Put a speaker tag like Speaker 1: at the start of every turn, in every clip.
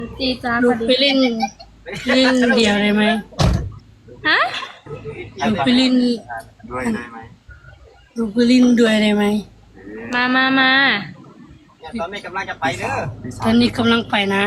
Speaker 1: จีจ้า
Speaker 2: ลูกไปเล่นเดี่ยวได้ไหม
Speaker 1: ฮะ
Speaker 2: ลูกไปเล่น
Speaker 3: ด้วยได้ไหม
Speaker 2: ลูกไปเล่นด้วยได้ไหม
Speaker 1: มา
Speaker 4: เนี่ยตอนนี้กำลังจะไปเด้อ
Speaker 2: ตอนนี้กำลังไปนะ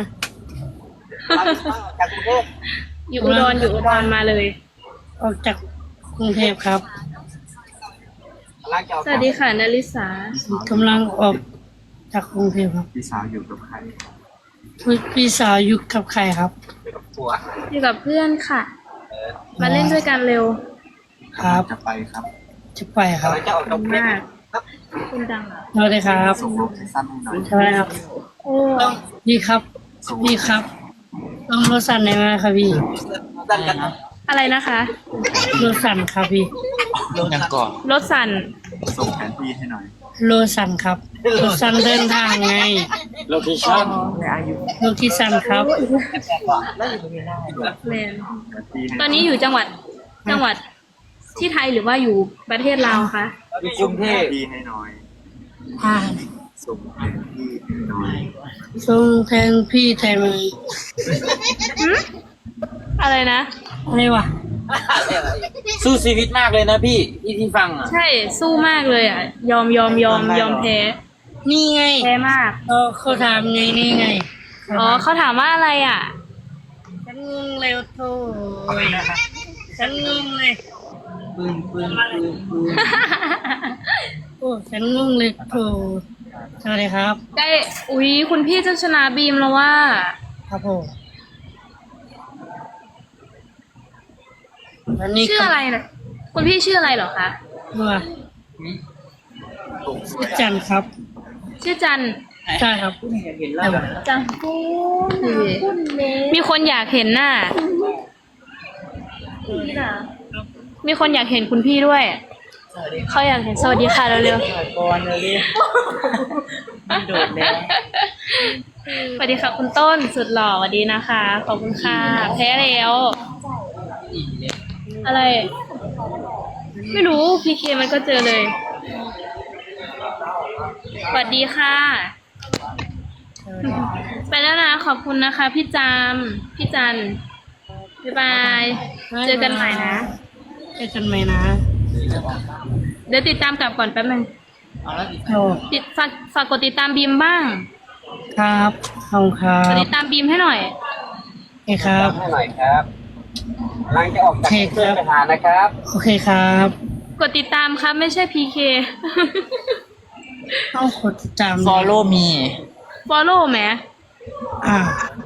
Speaker 4: จากกรุงเทพ
Speaker 1: อยู่อุดรมาเลย
Speaker 2: ออกจากกรุงเทพครับ
Speaker 4: กำลังจะออก
Speaker 1: สวัสดีค่ะนาริสาก
Speaker 2: ำลังออกจากกรุงเทพครับ
Speaker 3: พี่สาวอยู่กับใคร
Speaker 2: พี่สาวอยู่กับใครครับ
Speaker 4: ไปกับผัว
Speaker 1: อยู่กับเพื่อนค่ะ มาเล่นด้วยกันเร็ว
Speaker 2: ครับ
Speaker 3: จะไปครับ
Speaker 2: จะไปครับ
Speaker 4: กำลังจะออกจากกรุงเทพ
Speaker 1: มากคุณดังเหรอ
Speaker 2: สวัสดีครับ
Speaker 3: ส่งโลเคชั่นให้หน่อย
Speaker 2: ใช่ไหมครับ
Speaker 1: โอ้
Speaker 2: ต้องพี่ครับพี่ครับ ต้องรถสั่นได้ไหมครับพี่
Speaker 4: ดันกัน
Speaker 1: อะไรนะคะ
Speaker 2: รถสั่นครับพี่
Speaker 4: ยังก่อน
Speaker 1: รถสั่น
Speaker 3: ส่งแผนที่ให้หน่อย
Speaker 2: รถสั่นครับรถสั่นเดินทางไง
Speaker 4: โลเคชั่น
Speaker 2: รถที่สั่นครับ
Speaker 4: แล้วอยู่ตรงนี้ได้
Speaker 1: แมน
Speaker 3: แผนที่ให้
Speaker 1: ตอนนี้อยู่จังหวัดที่ไทยหรือว่าอยู่ประเทศลาวคะ
Speaker 4: อยู่กรุงเท
Speaker 3: แผ
Speaker 4: พ
Speaker 3: นที่ให้หน่อย
Speaker 2: อ่า
Speaker 3: ส่งแผนที่ให้หน่อย
Speaker 2: ส่งแทนพี่แทนมัน
Speaker 1: หึอะไรนะ
Speaker 2: อะไรวะ
Speaker 4: สู้ชีวิตมากเลยนะพี่ที่ฟังอ่ะ
Speaker 1: ใช่สู้มากเลยอ่ะ ยอมแพ้
Speaker 2: นี่ไง
Speaker 1: แพ้มาก
Speaker 2: เขาถามไงนี่ไง
Speaker 1: อ๋อเขาถามว่าอะไรอ่ะ
Speaker 2: ฉันงงเลยโถ่ฉันงงเลย
Speaker 4: ปืน
Speaker 2: โอ้ฉันงงเลยโถ่สวัสดีครับ
Speaker 1: ได้อุ๊ยคุณพี่จะชนะบีมแล้วว่า
Speaker 2: ครับผมวันนี้
Speaker 1: ชื่ออะไรนะคุณพี่ชื่ออะไรเหรอคะ
Speaker 2: ว่าชื่อจันครับ
Speaker 1: ชื่อจัน
Speaker 2: ใช่ครับ
Speaker 4: เห็นแล้ว
Speaker 1: จังมีคนอยากเห็นหน้ามีคนอยากเห็นคุณพี่ด้วยเขาอยากเห็นสวัสดีค่ะเร็ว
Speaker 4: ก่อนเลยมันโดดแล้ว
Speaker 1: ๆสวัสดีค่ะคุณต้นสุดหล่อสวัสดีนะคะขอบคุณค่ะแพ้แล้วอะไร ไม่รู้พีเคมันก็เจอเลยสวัสดีค่ะ ไปแล้วนะขอบคุณนะคะ พี่จามพี่จันบ๊ายบายเจอกันใหม่นะ
Speaker 2: เจอกันใหม่นะ
Speaker 1: เดี๋ยวติดตามกลับก่อนแป๊บนึง
Speaker 2: โอ้
Speaker 1: ฝากกดติดตามบีมบ้าง
Speaker 2: ครับขอบคุณครั
Speaker 1: กด
Speaker 2: บ
Speaker 1: ติดตามบีมให้หน่อย
Speaker 2: โอเคครับ
Speaker 4: ให้หน่อยครับกำลังจะออกจากกรุงเทพไปหานะครับ
Speaker 2: โอเคครับ
Speaker 1: กดติดตามครับไม่ใช่พีเค
Speaker 2: ต้องกดติดตาม
Speaker 4: follow me
Speaker 1: follow แหม
Speaker 2: อ่าก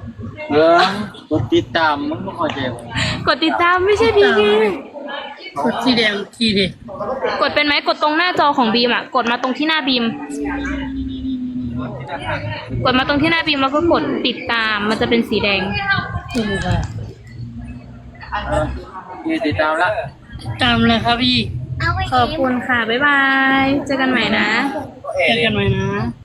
Speaker 4: ดติดตามมึงไม่เข้าใจ
Speaker 1: กดติดตามไม่ใช่พีเค
Speaker 2: กดที่แดงทีเด็ด
Speaker 1: กดเป็นไหมกดตรงหน้าจอของบีมอ่ะ กดมาตรงที่หน้าบีม กดมาตรงที่หน้าบีมแล้วก็กดติดตามมันจะเป็นสีแดง
Speaker 2: ถูกครับ
Speaker 4: ติดตามแล้ว
Speaker 2: ติดตามเลยครับพี่
Speaker 1: ขอบคุณค่ะ บ๊ายบาย เจอกันใหม่นะ
Speaker 2: เจอกันใหม่นะ